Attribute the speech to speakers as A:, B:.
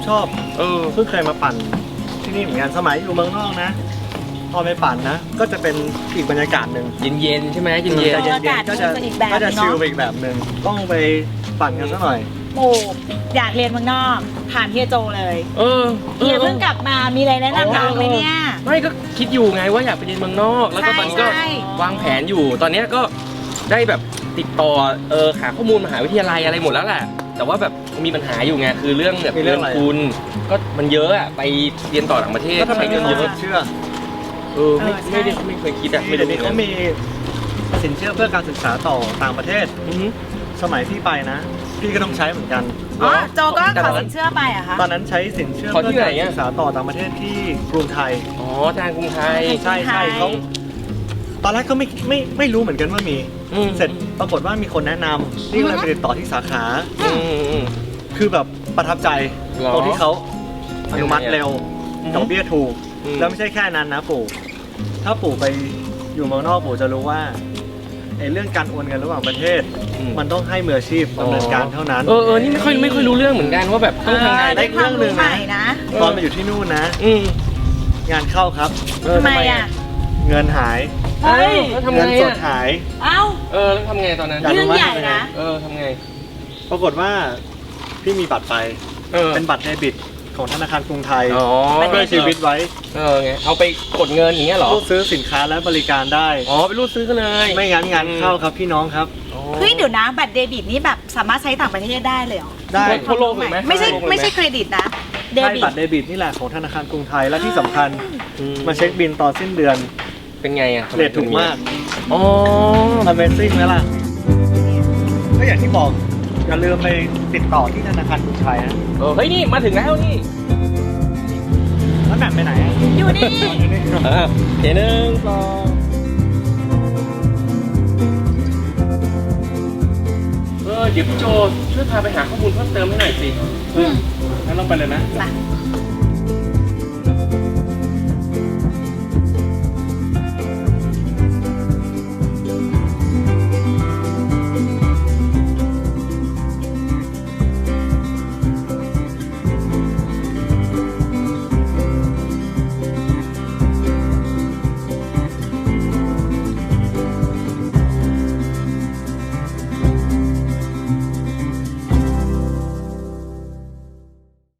A: ชอบเพิ่งเคยมาปั่นที่นี่เหมือนกันสมัยอยู่เมืองนอกนะพอไปปั่นนะก็จะเป็นอีกบรรยากาศหนึ่ง
B: เย็นๆใช่ไหมเย็น
A: ก็จะชิลไปอีกแบบหนึ่งต้องไปปั่นกันสักหน่อย
C: โอ้อยากเรียนเมืองนอกถามเฮียโจเลยเฮียเพิ่งกลับมามีอะไรแนะนำน้องไหมเนี่ย
B: ไม่ก็คิดอยู่ไงว่าอยากไปเรียนเมืองนอกแล้วก็ตอนนี้ก็วางแผนอยู่ตอนนี้ก็ได้แบบติดต่อหาข้อมูลมหาวิทยาลัยอะไรหมดแล้วแหละแต่ว่าแบบมีปัญหาอยู่ไงคือเรื่องแบบเงินทุนก็มันเยอะอะไปเรียนต่อต่างประเทศ
A: ใช้เงินเยอะเชื่อ
B: ไม่เคยคิดอะ
A: ไม่รู้เขามีสินเชื่อเพื่อการศึกษาต่อต่างประเทศสมัยพี่ไปนะพี่ก็ต้องใช้เหมือนกัน
C: โจก็ขอสินเชื่อไปอะคะ
A: ตอนนั้นใช้สินเชื่อเพื่อการศึกษาต่อต่างประเทศที่กรุงไทย
B: ทางกรุงไทย
A: ใช่เขาตอนแรกก็ไม่รู้เหมือนกันว่ามีเสร็จปรากฏว่ามีคนแนะนำนี่ก็เลยไปติดต่อที่สาขาคือแบบประทับใจตรงที่เขาอนุมัติเร็วดอกเบี้ยถูกแล้วไม่ใช่แค่นั้นนะปู่ถ้าปู่ไปอยู่เมืองนอกปู่จะรู้ว่าเรื่องการโอนเงินระหว่างประเทศมันต้องให้มืออาชีพดำเนินการเท่านั้น
B: นี่ไม่ค่อยรู้เรื่องเหมือนกันว่าแบบต้องทำไง
A: ได้เรื่องหนึ่งนะตอนไปอยู่ที่นู่นนะงานเข้าครับ
C: ทำไมอะ
A: เงินหายเงินสดหาย
B: แล้วทำไงตอนนั้น
C: เรื่องใหญ่นะ
B: ทำไง
A: ปรากฏว่าพี่มีบัตรไปเป็นบัตรเดบิตของธนาคารกรุงไทยเพื่อชีวิตไว้
B: ไงเอาไปกดเงินอย่างเงี้ยหรอ
A: รูดซื้อสินค้าและบริการได้
B: ไปรูดซื้อกันเลย
A: ไม่งั้นงานเข้าครับพี่น้องครับ
C: เฮ้ยเดี๋ยวนะบัตรเดบิตนี่แบบสามารถใช้ต่างประเทศได้เลยเหรอ
A: ได้
B: ทั่วโลกเลยไหม
C: ไม่ใช่เครดิตนะ
A: ใช่บัตรเดบิตนี่แหละของธนาคารกรุงไทยและที่สำคัญมาเช็คบิลตอนสิ้นเดือน
B: เป็นไงอะ
A: เรทถูกมากAmazing ไหมล่ะก็อย่างที่บอกอย่าลืมไปติดต่อที่ธนาคารกรุงไทยนะ
B: เฮ้ยนี่มาถึงแล้วนี่
A: แล้วแหม่มไปไหน
C: อยู่นี่
B: เดี๋ยว1 2เดี๋ยวพี่โจช่วยพาไปหาข้อมูลเพิ่มเติมให้หน่อยสิ
A: งั้นลองไปเลยนะ